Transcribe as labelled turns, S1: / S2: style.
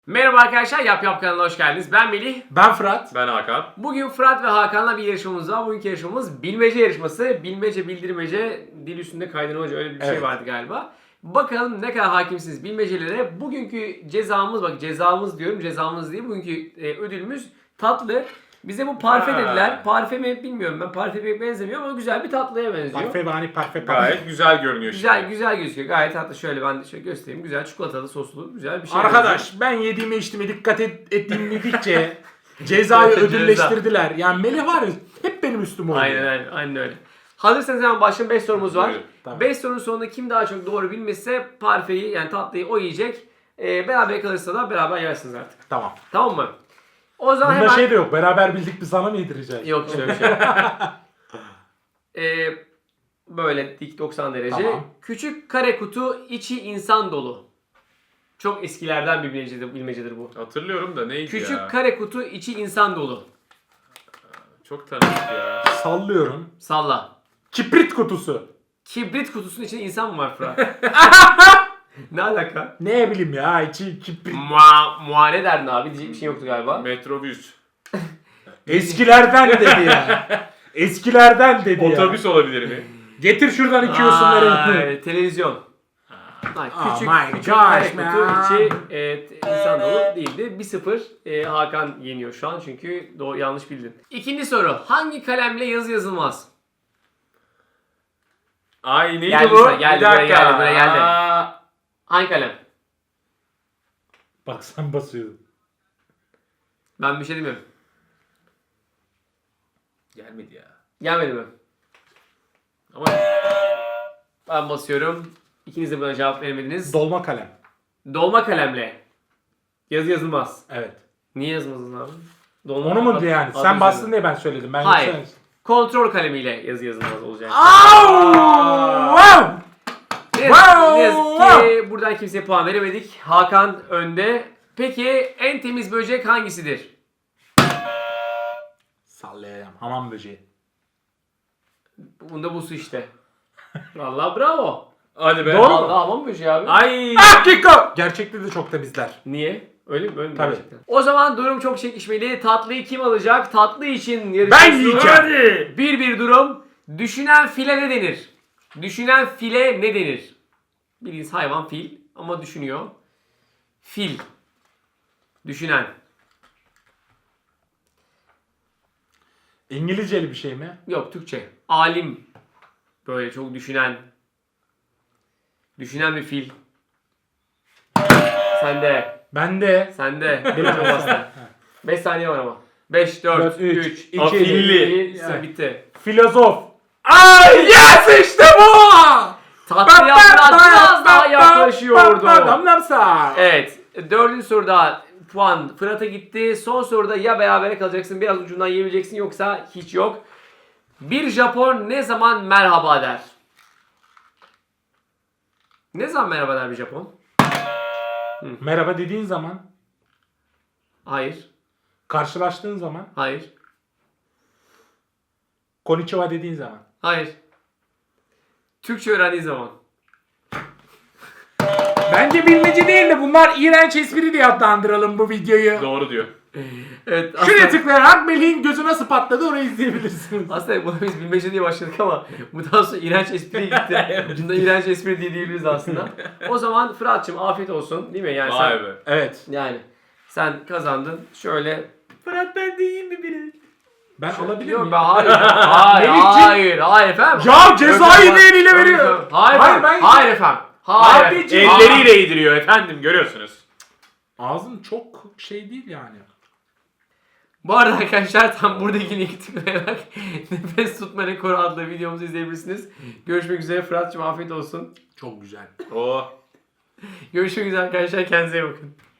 S1: Merhaba arkadaşlar, Yap kanalına hoş geldiniz. Ben Melih.
S2: Ben Fırat.
S3: Ben Hakan.
S1: Bugün Fırat ve Hakan'la bir yarışmamız var. Bugünkü yarışmamız bilmece yarışması. Bilmece, bildirmece, dil üstünde kaydırmaca öyle bir şey
S2: Evet.
S1: vardı galiba. Bakalım ne kadar hakimsiniz bilmecelere. Bugünkü cezamız, bak cezamız diyorum, cezamız değil. Bugünkü ödülümüz tatlı. Bize bu parfe dediler. Parfe mi bilmiyorum ben. Parfe pek benzemiyor ama güzel bir tatlıya benziyor.
S2: Parfe.
S3: Gayet güzel görünüyor
S1: Güzel
S3: şimdi.
S1: güzel gözüküyor. Gayet tatlı. Şöyle ben de şöyle göstereyim. Güzel çikolatalı soslu güzel bir şey.
S2: Arkadaş ben yediğime içtiğime dikkat ettiğimdikçe cezayı
S1: Ceza.
S2: ödülleştirdiler. Yani Melih var ya hep benim üstüme oynuyor.
S1: Aynen öyle. Hazırsanız hemen başlayalım. 5 sorumuz var.
S3: Buyurun.
S2: Tamam.
S1: 5 sorunun sonunda kim daha çok doğru bilmişse parfeyi yani tatlıyı o yiyecek. Beraber kalırsa da beraber yersiniz artık.
S2: Tamam.
S1: Tamam mı? O zaman
S2: Bunda
S1: hemen...
S2: şey de yok. Beraber bildik biz sana mı yedireceğiz?
S1: Yok şöyle bir şey. Böyle dik 90 derece.
S2: Tamam.
S1: Küçük kare kutu içi insan dolu. Çok eskilerden bir bilmecedir bu.
S3: Hatırlıyorum da neydi
S1: Küçük
S3: ya?
S1: kare kutu içi insan dolu.
S3: Çok tanıdık ya.
S2: Sallıyorum.
S1: Salla.
S2: Kibrit kutusu.
S1: Kibrit kutusunun içinde insan mı var Fırat? Ne alaka?
S2: Ne bileyim ya içi kibrit.
S1: Muayene derdin abi diyecek bir şey yoktu galiba.
S3: Metrobüs.
S2: Eskilerden dedi ya. Eskilerden dedi ya.
S3: Otobüs olabilir mi?
S2: Getir şuradan iki yosunları.
S1: Ay, televizyon. Ay,
S2: Oh
S1: küçük
S2: my
S1: küçük
S2: gosh,
S1: kare kutu
S2: man.
S1: içi insan dolu değildi. 1-0 Hakan yeniyor şu an çünkü yanlış bildin. İkinci soru. Hangi kalemle yazı yazılmaz?
S3: Ay neydi
S1: Geldi
S3: bu?
S1: sana, geldi,
S3: Bir
S1: buraya
S3: dakika.
S1: geldi, buraya geldi.
S3: Aa,
S1: Hangi kalem?
S2: Bak sen basıyordun.
S1: Ben bir şey demiyorum.
S3: Gelmedi ya.
S1: Gelmedi mi?
S3: Ama
S1: Ben basıyorum. İkiniz de buna cevap veremediniz.
S2: Dolma kalem.
S1: Dolma kalemle yazı yazılmaz.
S2: Evet.
S1: Niye yazmadın abi? Dolma
S2: Onu mu
S1: adı-
S2: yani?
S1: adı
S2: Sen bastın
S1: üzerinde.
S2: diye ben söyledim. Ben
S1: Hayır.
S2: yoksa-
S1: Kontrol kalemiyle yazı yazılmaz olacak.
S2: Wow!
S1: Ne yazık ki buradan kimseye puan veremedik. Hakan önde. Peki en temiz böcek hangisidir?
S2: Sallayacağım. Hamam böceği.
S1: Bunda bu su işte. Vallahi bravo.
S3: hadi be.
S2: Doğru mu?
S1: Vallahi hamam böceği abi.
S3: Ay.
S2: Kiko! Gerçekte de çok temizler.
S1: Niye? Öyle mi? Öyle mi
S2: Tabii.
S1: gerçekten? O zaman durum çok çekişmeli. Tatlıyı kim alacak? Tatlı için
S2: Ben
S1: yarışıyoruz.
S2: yiyeceğim.
S3: Hadi.
S1: 1-1 durum. Düşünen file ne denir? Düşünen file ne denir? Bildiğiniz hayvan fil ama düşünüyor. Fil. Düşünen.
S2: İngilizceli bir şey mi?
S1: Yok Türkçe. Alim. Böyle çok düşünen. Düşünen bir fil. Sende.
S2: Ben de.
S1: Sende. Benim çok bastı. 5 saniye var ama. 5, 4,
S2: Dört,
S1: 3,
S2: üç,
S1: 2,
S2: iki,
S1: 1.
S2: yani.
S1: Bitti.
S2: Filozof. Ay yes işte bu!
S1: Tatlıya biraz daha yaklaşıyordu.
S2: Damlamsa.
S1: Evet. 4. soruda puan Fırat'a gitti. Son soruda ya berabere kalacaksın, biraz ucundan yiyebileceksin yoksa hiç yok. Bir Japon ne zaman merhaba der? Ne zaman merhaba der bir Japon?
S2: Merhaba dediğin zaman,
S1: Hayır.
S2: karşılaştığın zaman,
S1: Hayır.
S2: konnichiwa dediğin zaman.
S1: Hayır. Türkçe öğrendiği zaman.
S2: Bence bilmece değil de bunlar iğrenç espri diye adlandıralım bu videoyu.
S3: Doğru diyor.
S1: Evet.
S2: Şuraya tıklayarak Melih'in gözü nasıl patladı orayı izleyebilirsiniz.
S1: Aslında bunu biz bilmece diye başladık ama bundan sonra iğrenç espri gitti. Ucunda iğrenç espri diye diyebiliriz aslında. O zaman Fırat'cığım afiyet olsun değil mi? Yani
S3: Vay
S1: sen,
S3: be.
S2: Evet.
S1: yani sen kazandın. Şöyle Fırat ben de yiyeyim mi biri?
S2: Ben alabilir
S1: Yok
S2: miyim?
S1: ben hayır.
S2: Melihciğim.
S1: Hayır efendim.
S2: Ya cezayı
S1: Yok,
S2: ne eliyle veriyor?
S1: Hayır
S2: Hayır,
S1: efendim.
S2: ben-
S1: Hayır efendim. Hayır.
S2: Abiciğim.
S3: Elleriyle yediriyor efendim görüyorsunuz.
S2: Ağzın çok şey değil yani.
S1: Bu arada arkadaşlar tam buradaki linki tıklayarak Nefes Tutma Rekoru adlı videomuzu izleyebilirsiniz. Görüşmek üzere Fırat'cığım afiyet olsun.
S2: Çok güzel.
S3: Oh.
S1: Görüşmek üzere arkadaşlar kendinize iyi bakın.